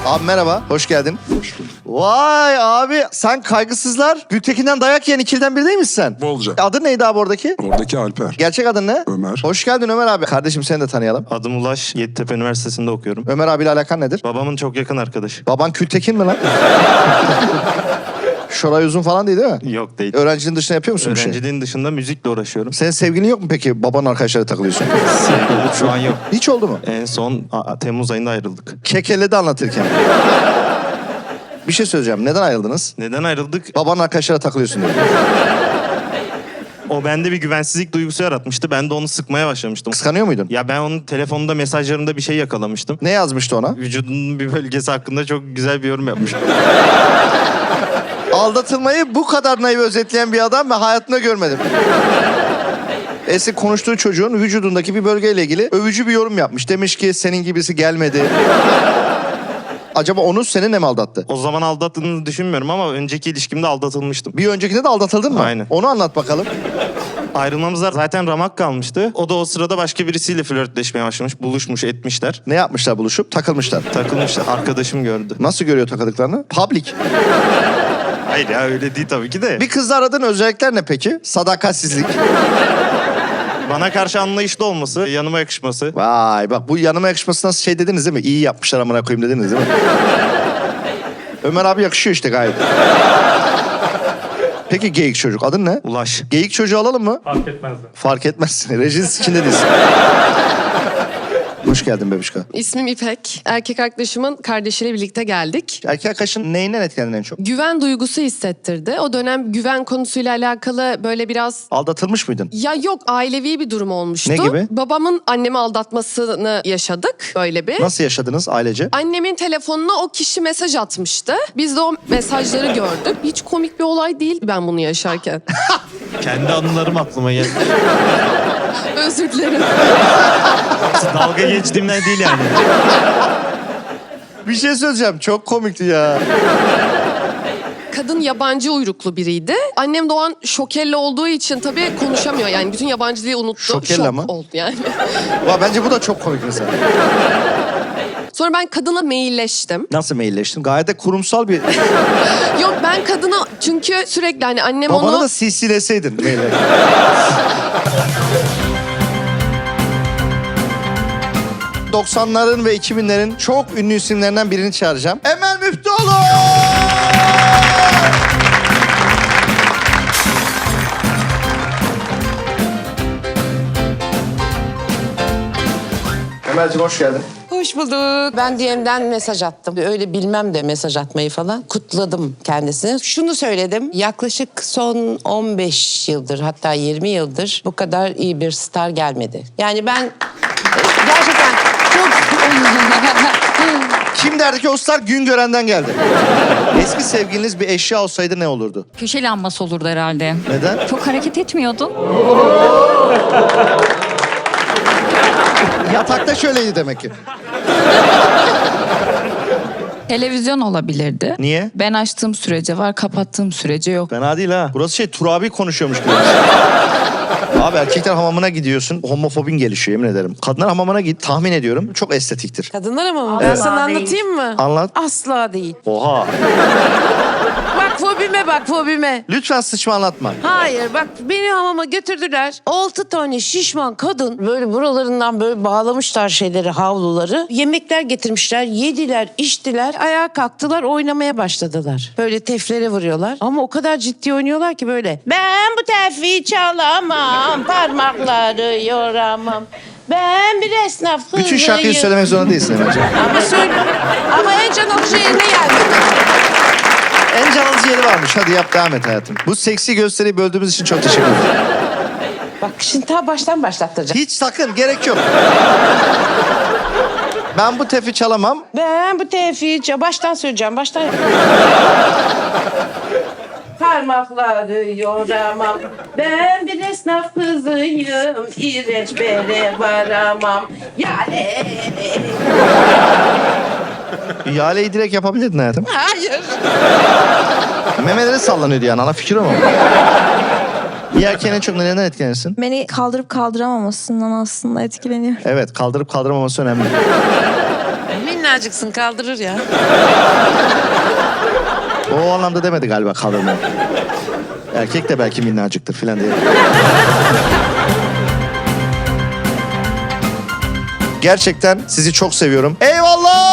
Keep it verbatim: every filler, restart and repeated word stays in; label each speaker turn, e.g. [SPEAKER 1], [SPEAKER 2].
[SPEAKER 1] Abi merhaba, hoş geldin.
[SPEAKER 2] Hoş bulduk.
[SPEAKER 1] Vay abi, sen Kaygısızlar Gültekin'den dayak yiyen ikiliden biri değil misin sen?
[SPEAKER 2] Bolca.
[SPEAKER 1] Adın neydi abi oradaki?
[SPEAKER 2] Oradaki Alper.
[SPEAKER 1] Gerçek adın ne?
[SPEAKER 2] Ömer.
[SPEAKER 1] Hoş geldin Ömer abi. Kardeşim seni de tanıyalım.
[SPEAKER 3] Adım Ulaş, Yeditepe Üniversitesi'nde okuyorum.
[SPEAKER 1] Ömer abiyle alakan nedir?
[SPEAKER 3] Babamın çok yakın arkadaşı.
[SPEAKER 1] Baban Kültekin mi lan? Şoray Uzun falan değil değil mi?
[SPEAKER 3] Yok değil.
[SPEAKER 1] Öğrencinin dışında yapıyor musun bir şey?
[SPEAKER 3] Öğrenciliğin dışında müzikle uğraşıyorum.
[SPEAKER 1] Senin sevgilin yok mu peki? Babanın arkadaşlarıyla takılıyorsun.
[SPEAKER 3] Sevgilim şu an yok.
[SPEAKER 1] Hiç oldu mu?
[SPEAKER 3] En son a, Temmuz ayında ayrıldık.
[SPEAKER 1] Kekeledi anlatırken. Bir şey söyleyeceğim. Neden ayrıldınız?
[SPEAKER 3] Neden ayrıldık?
[SPEAKER 1] Babanın arkadaşlarıyla takılıyorsun diye.
[SPEAKER 3] O bende bir güvensizlik duygusu yaratmıştı. Ben de onu sıkmaya başlamıştım.
[SPEAKER 1] Kıskanıyor muydun?
[SPEAKER 3] Ya ben onun telefonunda, mesajlarında bir şey yakalamıştım.
[SPEAKER 1] Ne yazmıştı ona?
[SPEAKER 3] Vücudunun bir bölgesi hakkında çok güzel bir yorum yapmış.
[SPEAKER 1] Aldatılmayı bu kadar naif özetleyen bir adam ben hayatımda görmedim. Eski konuştuğu çocuğun vücudundaki bir bölgeyle ilgili övücü bir yorum yapmış. Demiş ki senin gibisi gelmedi. Acaba onu seninle mi aldattı?
[SPEAKER 3] O zaman aldattığını düşünmüyorum ama önceki ilişkimde aldatılmıştım.
[SPEAKER 1] Bir öncekinde de aldatıldın mı?
[SPEAKER 3] Aynen.
[SPEAKER 1] Onu anlat bakalım.
[SPEAKER 3] Ayrılmamızda zaten ramak kalmıştı. O da o sırada başka birisiyle flörtleşmeye başlamış. Buluşmuş, etmişler.
[SPEAKER 1] Ne yapmışlar buluşup? Takılmışlar.
[SPEAKER 3] Takılmışlar. Arkadaşım gördü.
[SPEAKER 1] Nasıl görüyor takıldıklarını? Public.
[SPEAKER 3] Hayır ya öyle değil tabii ki de.
[SPEAKER 1] Bir kızla aradığın özellikler ne peki? Sadakatsizlik.
[SPEAKER 3] Bana karşı anlayışlı olması, yanıma yakışması.
[SPEAKER 1] Vay bak bu yanıma yakışması nasıl şey dediniz değil mi? İyi yapmışlar amına koyayım dediniz değil mi? Ömer abi yakışıyor işte gayet. Peki geyik çocuk adın ne?
[SPEAKER 3] Ulaş.
[SPEAKER 1] Geyik çocuğu alalım mı?
[SPEAKER 4] Fark etmezdi.
[SPEAKER 1] Fark etmez. Rejiniz içinde değilsin. Hoş geldin bebişka.
[SPEAKER 5] İsmim İpek. Erkek arkadaşımın kardeşiyle birlikte geldik.
[SPEAKER 1] Erkek arkadaşın neyinden etkilendin en çok?
[SPEAKER 5] Güven duygusu hissettirdi. O dönem güven konusuyla alakalı böyle biraz...
[SPEAKER 1] Aldatılmış mıydın?
[SPEAKER 5] Ya yok, ailevi bir durum olmuştu.
[SPEAKER 1] Ne gibi?
[SPEAKER 5] Babamın annemi aldatmasını yaşadık böyle bir.
[SPEAKER 1] Nasıl yaşadınız ailece?
[SPEAKER 5] Annemin telefonuna o kişi mesaj atmıştı. Biz de o mesajları gördük. Hiç komik bir olay değil ben bunu yaşarken.
[SPEAKER 3] Kendi anılarım aklıma geldi.
[SPEAKER 5] Özür dilerim.
[SPEAKER 3] Dalga geçtiğimden değil yani.
[SPEAKER 1] Bir şey söyleyeceğim. Çok komikti ya.
[SPEAKER 5] Kadın yabancı uyruklu biriydi. Annem de o an şokelle olduğu için tabii konuşamıyor. Yani bütün yabancı dili unuttu.
[SPEAKER 1] Şokelle
[SPEAKER 5] Şok
[SPEAKER 1] mi?
[SPEAKER 5] oldu yani.
[SPEAKER 1] Va, bence bu da çok komik mesela.
[SPEAKER 5] Sonra ben kadına mailleştim.
[SPEAKER 1] Nasıl mailleştin? Gayet de kurumsal bir...
[SPEAKER 5] Yok ben kadına çünkü sürekli hani annem
[SPEAKER 1] Babana
[SPEAKER 5] onu...
[SPEAKER 1] da C C'leseydin maille. doksanların ve iki binlerin çok ünlü isimlerinden birini çağıracağım. Emel Müftüoğlu! Emel'ciğim hoş geldin.
[SPEAKER 6] Hoş bulduk. Ben D M'den mesaj attım. Öyle bilmem de mesaj atmayı falan. Kutladım kendisini. Şunu söyledim. Yaklaşık son on beş yıldır hatta yirmi yıldır bu kadar iyi bir star gelmedi. Yani ben gerçekten çok...
[SPEAKER 1] Kim derdi ki o star Güngören'den geldi. Eski sevgiliniz bir eşya olsaydı ne olurdu?
[SPEAKER 7] Köşe lambası olurdu herhalde.
[SPEAKER 1] Neden?
[SPEAKER 7] Çok hareket etmiyordun.
[SPEAKER 1] Yatakta şöyleydi demek ki.
[SPEAKER 7] Televizyon olabilirdi.
[SPEAKER 1] Niye?
[SPEAKER 7] Ben açtığım sürece var, kapattığım sürece yok.
[SPEAKER 1] Fena değil ha. Burası şey Turabi konuşuyormuş gibi. Abi erkekler hamamına gidiyorsun. Homofobin gelişiyor yemin ederim. Kadınlar hamamına git tahmin ediyorum. Çok estetiktir.
[SPEAKER 6] Kadınlar ama ben sana anlatayım mı?
[SPEAKER 1] Anlat.
[SPEAKER 6] Asla değil.
[SPEAKER 1] Oha.
[SPEAKER 6] Bak fobime bak fobime.
[SPEAKER 1] Lütfen sıçma anlatma.
[SPEAKER 6] Hayır bak beni hamama götürdüler. Altı tane şişman kadın böyle buralarından böyle bağlamışlar şeyleri, havluları. Yemekler getirmişler, yediler, içtiler. Ayağa kalktılar, oynamaya başladılar. Böyle teflere vuruyorlar. Ama o kadar ciddi oynuyorlar ki böyle. Ben bu tefi çalamam, parmakları yoramam. Ben bir esnaf kızıyım.
[SPEAKER 1] Bütün şarkıyı söylemek zorunda değilsin Emel'ciğim.
[SPEAKER 6] Ama söyle. Ama en can alıcı yerine gelmedi.
[SPEAKER 1] En can alıcı yeri varmış. Hadi yap devam et hayatım. Bu seksi gösteriyi böldüğümüz için çok teşekkür ederim.
[SPEAKER 6] Bak şimdi ta baştan başlattıracağım.
[SPEAKER 1] Hiç sakın gerek yok. Ben bu tefi çalamam.
[SPEAKER 6] Ben bu tefi baştan söyleyeceğim. Baştan. Parmakları yoramam. Ben bir esnaf kızıyım. İğrenç bere varamam. Yani.
[SPEAKER 1] İhaleyi direkt yapabilirdin hayatım.
[SPEAKER 6] Hayır.
[SPEAKER 1] Memeleri sallanıyordu yani. Ana fikir o mu? Bir erkeğin en çok nelerinden etkilenirsin?
[SPEAKER 8] Beni kaldırıp kaldıramamasından aslında etkileniyorum.
[SPEAKER 1] Evet, kaldırıp kaldıramaması önemli.
[SPEAKER 6] Minnacıksın kaldırır ya.
[SPEAKER 1] O anlamda demedi galiba kaldırma. Erkek de belki minnacıktır filan diye. Gerçekten sizi çok seviyorum. Eyvallah!